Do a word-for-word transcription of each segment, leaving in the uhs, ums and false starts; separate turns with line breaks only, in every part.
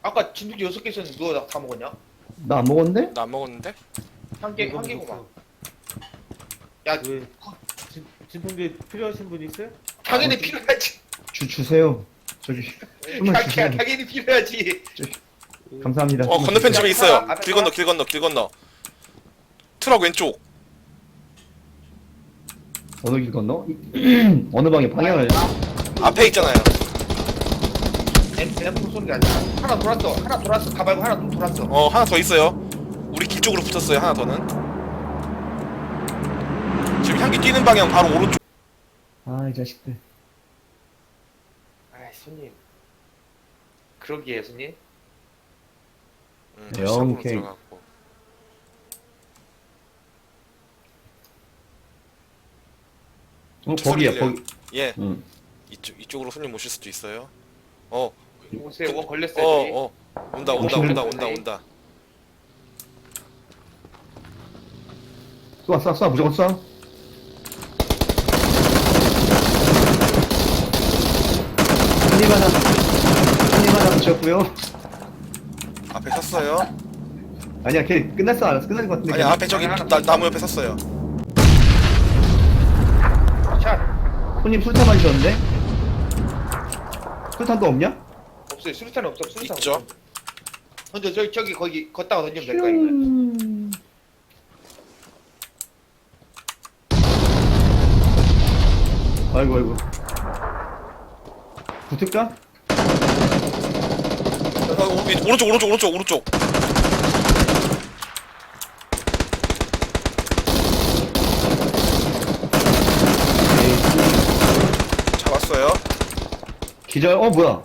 아까 진돗개 여섯 개 있었는데 누가 다 먹었냐?
나 안 먹었는데?
나 안 먹었는데?
한 개, 한 개구만. 야,
왜? 진, 진통제 필요하신 분 있어요?
당연히
어,
필요하지.
주 주세요. 저기 숨을
야,
주세요.
당연히 필요하지.
감사합니다.
어
숨을
건너편
주세요.
집에 있어요.
앞에
길 건너
봐.
길 건너 길 건너. 트럭 왼쪽.
어느 길 건너? 어느 방에 방향을?
앞에 있잖아요.
엠프 소리가 아니야. 하나 돌았어. 하나 돌았어. 가발고 하나 또 돌았어.
어 하나 더 있어요. 우리 길 쪽으로 붙었어요. 하나 더는. 지금 향기 뛰는 방향 바로 오른쪽.
아 이 자식들.
아이, 손님. 그러기에, 손님.
음,
네,
다시 잡으러
오케이.
들어갔고.
어
소리
거기야
들려요.
거기.
예.
응.
이쪽 이쪽으로 손님 오실 수도 있어요. 어.
오세요. 원 걸렸어요.
어
저기.
어. 온다 온다
오시는
온다 온다
분이.
온다.
쏴 쏴 쏴 무조건 쏴. 한입 하나. 한입 하나 붙였고요.
앞에 섰어요.
아니야 걔 끝났어 알았어 끝난 것 같은데.
아니 앞에 저기
하나
나, 나무 옆에 섰어요.
샷.
손님 술탄 마셨는데? 술탄 또 없냐?
없어요. 수류탄 없어. 수류탄
있죠.
없어. 던져. 저기, 저기, 거기, 걷다가 던지면 될 거야, 이거.
아이고 아이고. 붙을까?
어, 오, 이- 오른쪽 오른쪽 오른쪽 오른쪽. 잡았어요.
기절. 어 뭐야?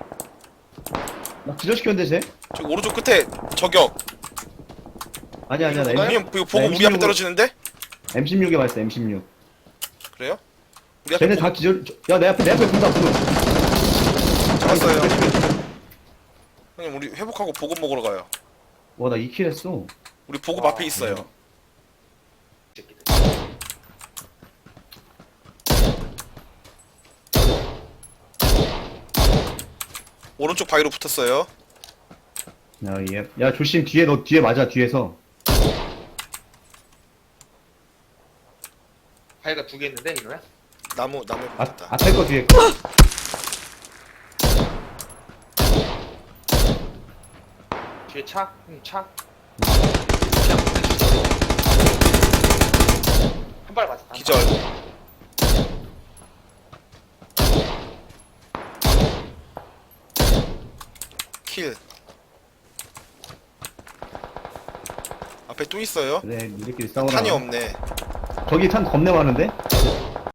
나 기절시켰는데 쟤?
저기 오른쪽 끝에 저격.
아니야 아니야 나
형님
M,
이거 보고
나
우리 앞에
엠십육으로
떨어지는데?
엠십육에 맞았어 엠십육.
그래요? 우리 앞에
쟤네 다 기절. 야 내 앞에 내 앞에 본다 보고.
잡았어요. 형님 우리 회복하고 보급 먹으러 가요.
와나 이 킬 했어.
우리 보급
아,
앞에 있어요.
새끼들.
오른쪽 바위로 붙었어요.
야, 얘. 야 조심 뒤에 너 뒤에 맞아 뒤에서.
바위가 두 개 있는데, 이거야?
나무 나무에
앞
붙었다.
앞에 거 뒤에.
뒤에 차? 응, 차. 한 발 맞았다.
기절. 킬. 앞에 또 있어요.
그래 니들끼리 싸우라.
탄이 없네.
저기 탄 겁내 많은데?